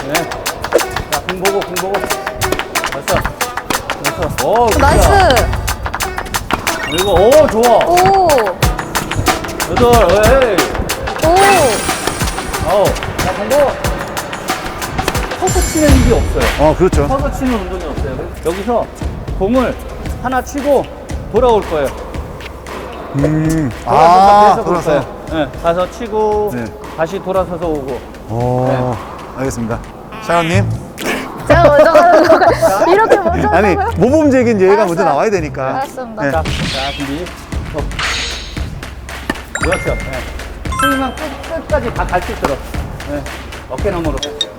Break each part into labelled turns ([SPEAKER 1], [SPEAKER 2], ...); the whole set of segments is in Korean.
[SPEAKER 1] 네. 자, 공 보고. 됐어. 오,
[SPEAKER 2] 나이스.
[SPEAKER 1] 그리고, 오, 좋아.
[SPEAKER 2] 오.
[SPEAKER 1] 8, 에이.
[SPEAKER 2] 오.
[SPEAKER 1] 자, 공 보고. 서서 치는 일이 없어요.
[SPEAKER 3] 그렇죠.
[SPEAKER 1] 서서 치는 운동이 없어요. 여기서 공을 하나 치고 돌아올 거예요. 계속 올
[SPEAKER 3] 돌아서.
[SPEAKER 1] 거예요. 네, 가서 치고,
[SPEAKER 3] 네.
[SPEAKER 1] 다시 돌아서서 오고.
[SPEAKER 3] 알겠습니다. 샤가님.
[SPEAKER 2] 제가 먼저 가는 거. 이렇게 먼저
[SPEAKER 3] 아니,
[SPEAKER 2] 한다고요?
[SPEAKER 3] 모범적인 예가
[SPEAKER 2] 알았어요.
[SPEAKER 3] 먼저 나와야 되니까.
[SPEAKER 2] 알았습니다.
[SPEAKER 3] 네.
[SPEAKER 1] 자, 준비. 그렇죠. 네. 스윙만 끝까지 다 갈 수 있도록. 네. 어깨너머로.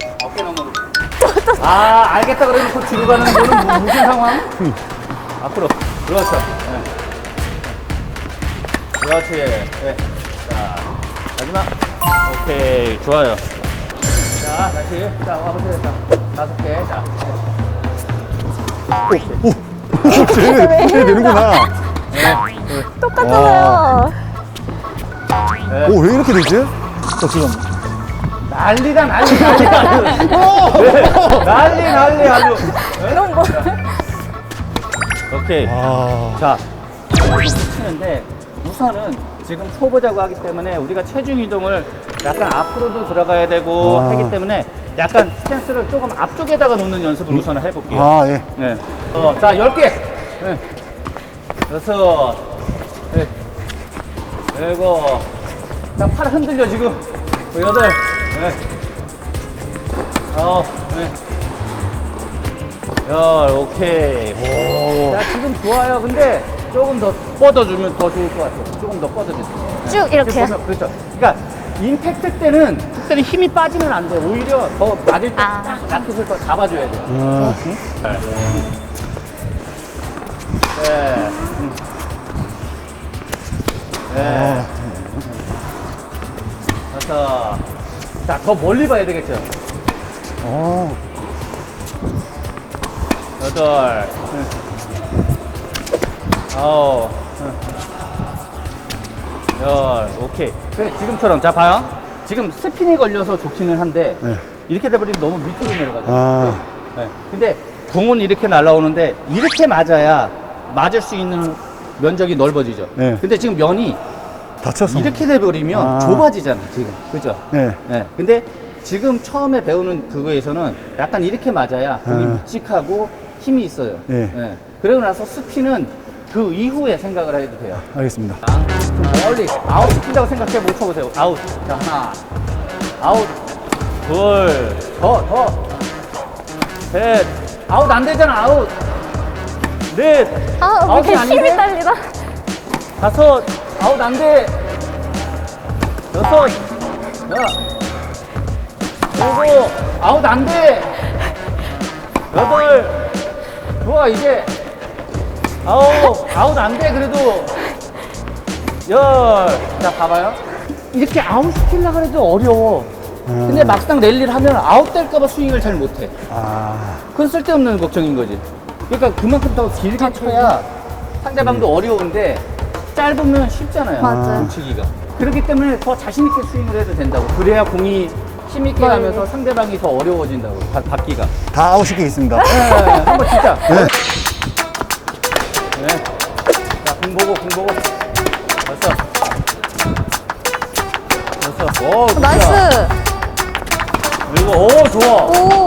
[SPEAKER 1] 알겠다 그러면 또 뒤로 가는 거는 무슨 상황? 앞으로. 그렇죠. 네. 그렇지. 네. 자, 마지막. 오케이. 좋아요. 자, 다시. 자, 와보세요. 자, 5개. 자.
[SPEAKER 3] 쟤 되는구나.
[SPEAKER 2] 똑같잖아요.
[SPEAKER 1] 네.
[SPEAKER 3] 오, 왜 이렇게 되지? 지금.
[SPEAKER 1] 난리다, 난리 아주. 네. 난리 아주.
[SPEAKER 2] 이런 거.
[SPEAKER 1] 오케이. 자, 이렇게 치는데 우선은 지금 초보자고 하기 때문에 우리가 체중 이동을 약간 앞으로도 들어가야 되고 하기 때문에 약간 스탠스를 조금 앞쪽에다가 놓는 연습을 우선 해볼게요.
[SPEAKER 3] 예.
[SPEAKER 1] 네. 자, 10개. 네. 6. 네. 7. 자, 팔 흔들려, 지금. 8. 네. 9. 네. 10. 오케이. 자, 지금 좋아요. 근데 조금 더 뻗어주면 더 좋을 것 같아요. 조금 더 뻗어주세요. 네.
[SPEAKER 2] 쭉 이렇게요?
[SPEAKER 1] 보면, 그렇죠. 그러니까 임팩트 때는 힘이 빠지면 안 돼. 오히려 더 맞을 때 딱 라켓을 더 잡아줘야 돼. 응? 네. 네. 네. 5. 자, 더 멀리 봐야 되겠죠. 8. 9. 10. 오케이. 그래, 지금처럼. 자, 봐요. 지금 스핀이 걸려서 좋기는 한데,
[SPEAKER 3] 네.
[SPEAKER 1] 이렇게 돼버리면 너무 밑으로 내려가죠. 네. 근데 공은 이렇게 날아오는데, 이렇게 맞아야 맞을 수 있는 면적이 넓어지죠.
[SPEAKER 3] 네.
[SPEAKER 1] 근데 지금 면이
[SPEAKER 3] 다쳐서.
[SPEAKER 1] 이렇게 돼버리면 좁아지잖아, 지금. 그죠?
[SPEAKER 3] 네.
[SPEAKER 1] 네. 근데 지금 처음에 배우는 그거에서는 약간 이렇게 맞아야 공이 묵직하고 힘이 있어요.
[SPEAKER 3] 네.
[SPEAKER 1] 네. 그러고 나서 스피는 그 이후에 생각을 해도 돼요.
[SPEAKER 3] 알겠습니다.
[SPEAKER 1] 좀 멀리 아웃 시킨다고 생각해 못 쳐보세요. 아웃. 자, 하나. 아웃. 둘. 더. 셋. 아웃 안 되잖아, 아웃. 넷.
[SPEAKER 2] 왜
[SPEAKER 1] 아웃이
[SPEAKER 2] 이렇게
[SPEAKER 1] 아닌데?
[SPEAKER 2] 힘이 딸리나?
[SPEAKER 1] 5. 아웃 안 돼. 6. 자. 7. 아웃 안 돼. 8. 좋아, 이제. 아웃 안 돼, 그래도. 10. 자, 봐봐요. 이렇게 아웃 시키려고 해도 어려워. 근데 막상 랠리를 하면 아웃 될까봐 스윙을 잘 못해. 그건 쓸데없는 걱정인 거지. 그러니까 그만큼 더 길게 쳐야 상대방도 어려운데 짧으면 쉽잖아요.
[SPEAKER 2] 맞아요.
[SPEAKER 1] 치기가. 그렇기 때문에 더 자신있게 스윙을 해도 된다고. 그래야 공이 힘있게 가면서 상대방이 더 어려워진다고, 받기가.
[SPEAKER 3] 다 아웃시키고 있습니다.
[SPEAKER 1] 네, 한번 진짜. 네. 자, 공 보고. 됐어. 오, 좋다.
[SPEAKER 2] 나이스.
[SPEAKER 1] 그리고, 오, 좋아.
[SPEAKER 2] 오.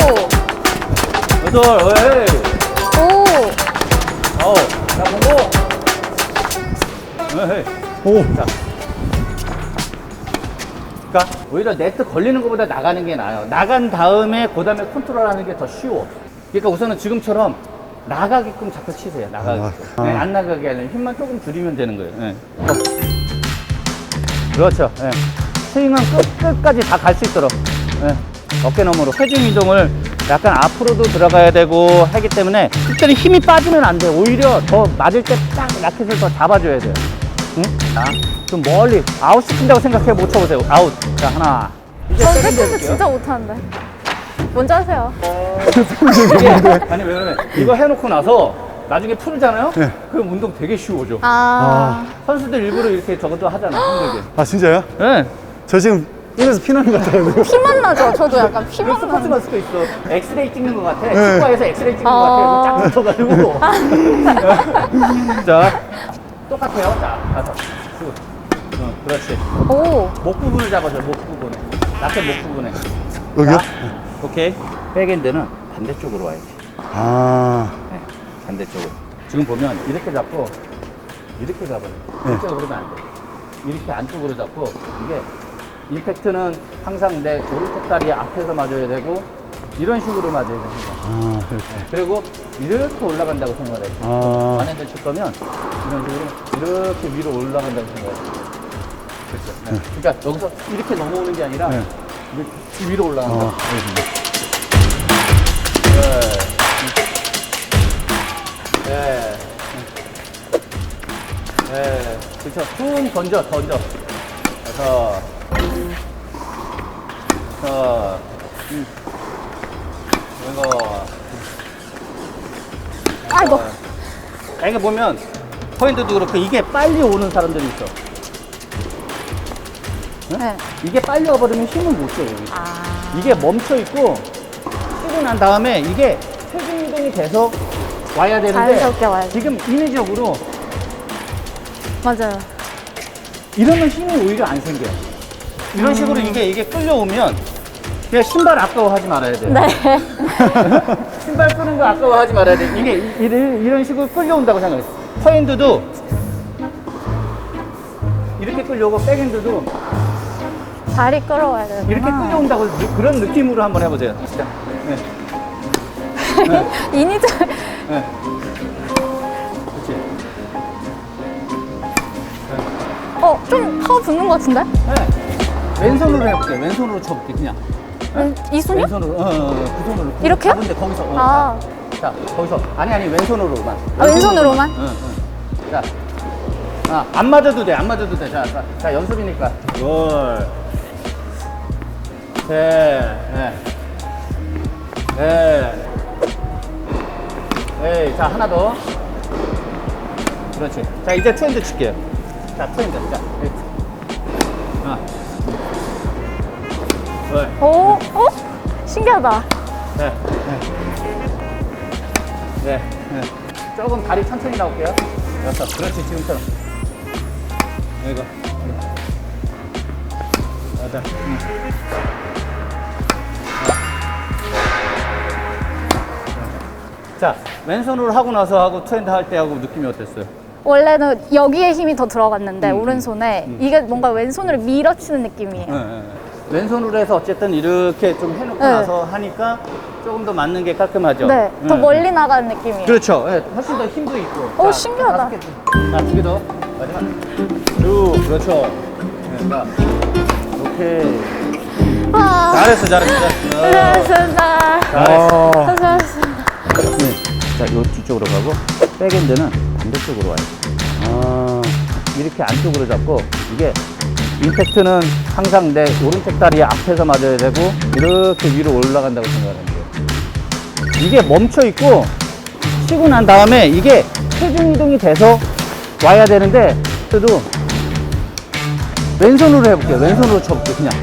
[SPEAKER 1] 8, 에이.
[SPEAKER 2] 오.
[SPEAKER 1] 9. 자, 공 보고. 에이.
[SPEAKER 3] 오.
[SPEAKER 1] 자. 그러니까, 오히려 네트 걸리는 것보다 나가는 게 나아요. 나간 다음에, 그 다음에 컨트롤 하는 게 더 쉬워. 그러니까 우선은 지금처럼 나가게끔 자꾸 치세요. 나가게끔. 네, 안 나가게 하려면 힘만 조금 줄이면 되는 거예요. 네. 그렇죠. 네. 스윙은 끝까지 다 갈 수 있도록. 네. 어깨너머로. 체중 이동을 약간 앞으로도 들어가야 되고 하기 때문에 특별히 힘이 빠지면 안 돼. 오히려 더 맞을 때 딱 라켓을 더 잡아줘야 돼요. 응? 자, 좀 멀리 아웃 시킨다고 생각해 못 쳐보세요. 아웃. 자, 하나. 이제
[SPEAKER 2] 전
[SPEAKER 1] 세컨드
[SPEAKER 2] 세컨드
[SPEAKER 1] 해볼게요.
[SPEAKER 2] 진짜 못하는데. 먼저 하세요.
[SPEAKER 1] 이게, 아니 왜 그러면 이거 해놓고 나서 나중에 풀잖아요?
[SPEAKER 3] 네.
[SPEAKER 1] 그럼 운동 되게 쉬워져.
[SPEAKER 2] 아.
[SPEAKER 1] 선수들 일부러 이렇게 저것도 하잖아, 힘들게.
[SPEAKER 3] 진짜요?
[SPEAKER 1] 네.
[SPEAKER 3] 저 지금 입에서 피나는 것 같아요.
[SPEAKER 2] 피만 나죠? 저도 약간
[SPEAKER 1] 그런
[SPEAKER 2] 피만
[SPEAKER 1] 스포츠
[SPEAKER 2] 나는.
[SPEAKER 1] 마스크 있어. 엑스레이 찍는 것 같아.
[SPEAKER 3] 네.
[SPEAKER 1] 치과에서 엑스레이 찍는 것 같아. 쫙 붙어가지고. 자, 똑같아요. 자, 가서. 쭉. 그렇지.
[SPEAKER 2] 오.
[SPEAKER 1] 목 부분을 잡아줘. 목 부분에. 라켓 목 부분에.
[SPEAKER 3] 여기요?
[SPEAKER 1] 자, 오케이. 백핸드는 반대쪽으로 와야지.
[SPEAKER 3] 아,
[SPEAKER 1] 네, 반대쪽으로. 지금 보면 이렇게 잡고 이렇게 잡아요. 이렇게 그러면 안 돼. 이렇게 안쪽으로 잡고 이게 임팩트는 항상 내 오른쪽 다리 앞에서 맞아야 되고 이런 식으로 맞아야 됩니다.
[SPEAKER 3] 아, 이렇게.
[SPEAKER 1] 그리고 이렇게 올라간다고 생각을 해요.
[SPEAKER 3] 아.
[SPEAKER 1] 반핸드 칠 거면 이런 식으로 이렇게 위로 올라간다고 생각을 해요. 그렇죠. 네. 그러니까 여기서 이렇게 넘어오는 게 아니라
[SPEAKER 3] 네.
[SPEAKER 1] 이렇게 위로 올라간다.
[SPEAKER 3] 알겠습니다.
[SPEAKER 1] 네. 네. 그쵸. 쭉 던져. 그래서. 이거.
[SPEAKER 2] 아이고.
[SPEAKER 1] 이게 보면, 포인트도 그렇고, 이게 빨리 오는 사람들이 있어.
[SPEAKER 2] 네.
[SPEAKER 1] 이게 빨리 와버리면 힘을 못 줘, 여기.
[SPEAKER 2] 아.
[SPEAKER 1] 이게 멈춰있고, 쉬고 난 다음에 이게 체중 이동이 돼서 와야 되는데,
[SPEAKER 2] 자연스럽게 와야지.
[SPEAKER 1] 지금 인위적으로
[SPEAKER 2] 맞아요.
[SPEAKER 1] 이러면 힘이 오히려 안 생겨요. 이런 식으로 이게 끌려오면 그냥 신발 아까워하지 말아야 돼요.
[SPEAKER 2] 네.
[SPEAKER 1] 신발 끄는 거 아까워하지 말아야 돼요. 이게 이런 식으로 끌려온다고 생각해요. 포핸드도 이렇게 끌려오고 백핸드도
[SPEAKER 2] 다리 끌어와야 되는
[SPEAKER 1] 이렇게 끌려온다고 그런 느낌으로 한번 해보세요. 진짜. 네.
[SPEAKER 2] 이니저.
[SPEAKER 1] 네. 그렇지.
[SPEAKER 2] 좀 더 붙는 것 같은데?
[SPEAKER 1] 네. 왼손으로 해볼게요. 왼손으로 쳐볼게 그냥.
[SPEAKER 2] 이 손이요?
[SPEAKER 1] 왼손으로, 그 손으로.
[SPEAKER 2] 이렇게요?
[SPEAKER 1] 잡은데 거기서.
[SPEAKER 2] 아.
[SPEAKER 1] 자, 거기서. 아니, 왼손으로만.
[SPEAKER 2] 아, 왼손으로만?
[SPEAKER 1] 응. 자. 안 맞아도 돼, 안 맞아도 돼. 자, 연습이니까. 둘. 셋. 넷. 에이, 자, 하나 더. 그렇지. 자, 이제 투핸드 칠게요. 자, 투핸드. 자, 이렇게. 하나. 둘.
[SPEAKER 2] 오, 신기하다.
[SPEAKER 1] 네. 조금 다리 천천히 나올게요. 여섯. 그렇지, 지금처럼. 이거. 여덟. 자, 왼손으로 하고 나서 하고 투핸드 할 때 하고 느낌이 어땠어요?
[SPEAKER 2] 원래는 여기에 힘이 더 들어갔는데, 오른손에. 이게 뭔가 왼손을 밀어치는 느낌이에요.
[SPEAKER 1] 왼손으로 해서 어쨌든 이렇게 좀 해놓고
[SPEAKER 2] 네.
[SPEAKER 1] 나서 하니까 조금 더 맞는 게 깔끔하죠?
[SPEAKER 2] 네. 더 멀리 나가는 느낌이에요.
[SPEAKER 1] 그렇죠. 네, 훨씬 더 힘도 있고.
[SPEAKER 2] 오,
[SPEAKER 1] 자,
[SPEAKER 2] 신기하다.
[SPEAKER 1] 자, 2개 더. 마지막. 쭉, 그렇죠. 네, 자, 오케이.
[SPEAKER 2] 아,
[SPEAKER 1] 잘했어.
[SPEAKER 2] 잘했습니다.
[SPEAKER 1] 잘했어.
[SPEAKER 2] 잘했습니다.
[SPEAKER 1] 네. 자, 요 뒤쪽으로 가고, 백핸드는 반대쪽으로 와요. 이렇게 안쪽으로 잡고, 이게 임팩트는 항상 내 오른쪽 다리 앞에서 맞아야 되고, 이렇게 위로 올라간다고 생각하는 거예요. 이게 멈춰있고, 쉬고 난 다음에 이게 체중 이동이 돼서 와야 되는데, 그래도 왼손으로 해볼게요. 왼손으로 쳐볼게요, 그냥.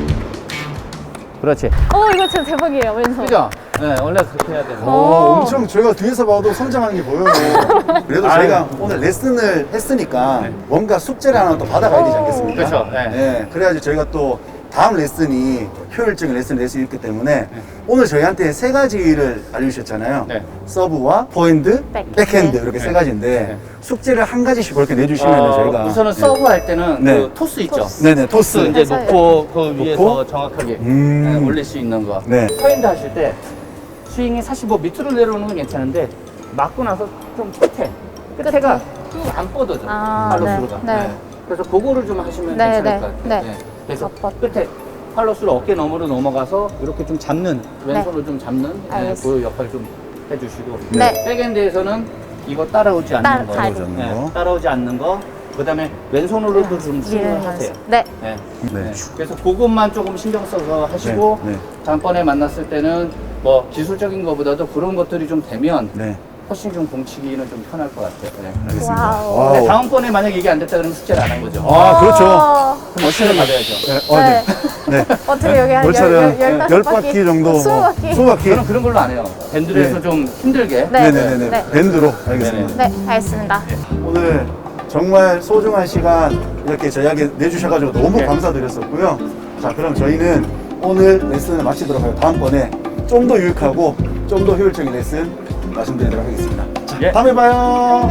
[SPEAKER 1] 그렇지.
[SPEAKER 2] 이거 진짜 대박이에요, 왼손.
[SPEAKER 1] 그죠? 네, 원래 그렇게 해야 되는 거.
[SPEAKER 3] 엄청 저희가 뒤에서 봐도 성장하는 게 보여요. 그래도 저희가 오늘 레슨을 했으니까 뭔가 숙제를 하나 또 받아가야 되지 않겠습니까?
[SPEAKER 1] 그렇죠. 네.
[SPEAKER 3] 네, 그래야지 저희가 또 다음 레슨이 효율적인 레슨을 낼 수 있기 때문에 오늘 저희한테 세 가지를 알려주셨잖아요.
[SPEAKER 1] 네.
[SPEAKER 3] 서브와 포핸드, 백핸드 이렇게 세 가지인데
[SPEAKER 1] 네.
[SPEAKER 3] 숙제를 한 가지씩 그렇게 내주시면 저희가
[SPEAKER 1] 우선은
[SPEAKER 3] 네.
[SPEAKER 1] 서브 할 때는
[SPEAKER 3] 네.
[SPEAKER 1] 그 토스 있죠?
[SPEAKER 3] 네네 토스.
[SPEAKER 1] 토스 이제
[SPEAKER 2] 맞아요.
[SPEAKER 1] 놓고 그 위에서 정확하게
[SPEAKER 3] 음.
[SPEAKER 1] 네, 올릴 수 있는 거.
[SPEAKER 3] 네.
[SPEAKER 1] 포핸드 하실 때 스윙이 사실 뭐 밑으로 내려오는 건 괜찮은데 맞고 나서 좀 끝에가 쭉 안 뻗어져.
[SPEAKER 2] 아,
[SPEAKER 1] 팔로스로가.
[SPEAKER 2] 네, 네.
[SPEAKER 1] 그래서 그거를 좀 하시면
[SPEAKER 2] 네,
[SPEAKER 1] 괜찮을
[SPEAKER 2] 네,
[SPEAKER 1] 것 같아요.
[SPEAKER 2] 네.
[SPEAKER 1] 그래서
[SPEAKER 2] 아, 뻗-
[SPEAKER 1] 끝에 팔로스로 어깨 너머로 넘어가서 이렇게 좀 잡는 왼손으로 좀 잡는
[SPEAKER 2] 알겠습니다.
[SPEAKER 1] 그 역할 좀 해주시고
[SPEAKER 2] 네.
[SPEAKER 1] 백엔드에서는 이거 따라오지 않는 거.
[SPEAKER 2] 다리.
[SPEAKER 1] 따라오지 않는 거. 그다음에 왼손으로도 좀 스윙을
[SPEAKER 2] 예,
[SPEAKER 1] 하세요.
[SPEAKER 2] 네.
[SPEAKER 1] 네.
[SPEAKER 3] 네.
[SPEAKER 1] 네. 그래서 그것만 조금 신경 써서 하시고
[SPEAKER 3] 네, 네.
[SPEAKER 1] 다음번에 만났을 때는 뭐 기술적인 것보다도 그런 것들이 좀 되면
[SPEAKER 3] 네.
[SPEAKER 1] 훨씬 좀 공치기는 좀 편할 것 같아요. 네.
[SPEAKER 3] 알겠습니다.
[SPEAKER 2] 와우.
[SPEAKER 3] 와우.
[SPEAKER 1] 근데 다음번에 만약 이게 안 됐다 그러면 숙제를 안 한 거죠.
[SPEAKER 3] 아, 그렇죠.
[SPEAKER 1] 그럼 어시를 받아야죠.
[SPEAKER 3] 네, 네. 네.
[SPEAKER 2] 어떻게 여기 한
[SPEAKER 3] 월차는
[SPEAKER 2] 15바퀴
[SPEAKER 3] 정도.
[SPEAKER 2] 20바퀴.
[SPEAKER 3] 20바퀴.
[SPEAKER 1] 저는 그런 걸로 안 해요. 밴드에서
[SPEAKER 3] 네.
[SPEAKER 1] 좀 힘들게.
[SPEAKER 2] 네.
[SPEAKER 3] 네네네.
[SPEAKER 2] 네.
[SPEAKER 3] 밴드로. 알겠습니다.
[SPEAKER 2] 네, 알겠습니다.
[SPEAKER 3] 오늘 정말 소중한 시간 이렇게 저희에게 내주셔가지고 너무
[SPEAKER 1] 네.
[SPEAKER 3] 감사드렸었고요. 자, 그럼 저희는 오늘 레슨을 마치도록 하고 다음번에 좀 더 유익하고 좀 더 효율적인 레슨 말씀드리도록 하겠습니다. 자,
[SPEAKER 1] 예.
[SPEAKER 3] 다음에 봐요.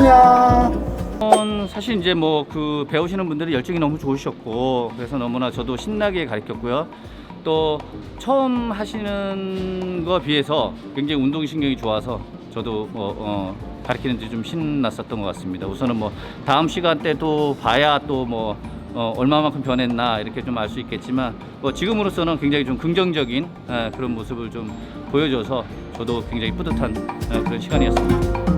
[SPEAKER 3] 안녕.
[SPEAKER 1] 사실 이제 뭐 그 배우시는 분들이 열정이 너무 좋으셨고 그래서 너무나 저도 신나게 가르쳤고요. 또 처음 하시는 거 비해서 굉장히 운동신경이 좋아서 저도 가르치는데 좀 신났었던 것 같습니다. 우선은 뭐 다음 시간 때도 봐야 또 뭐 얼마만큼 변했나 이렇게 좀 알 수 있겠지만 뭐 지금으로서는 굉장히 좀 긍정적인 그런 모습을 좀 보여줘서 저도 굉장히 뿌듯한 그런 시간이었습니다.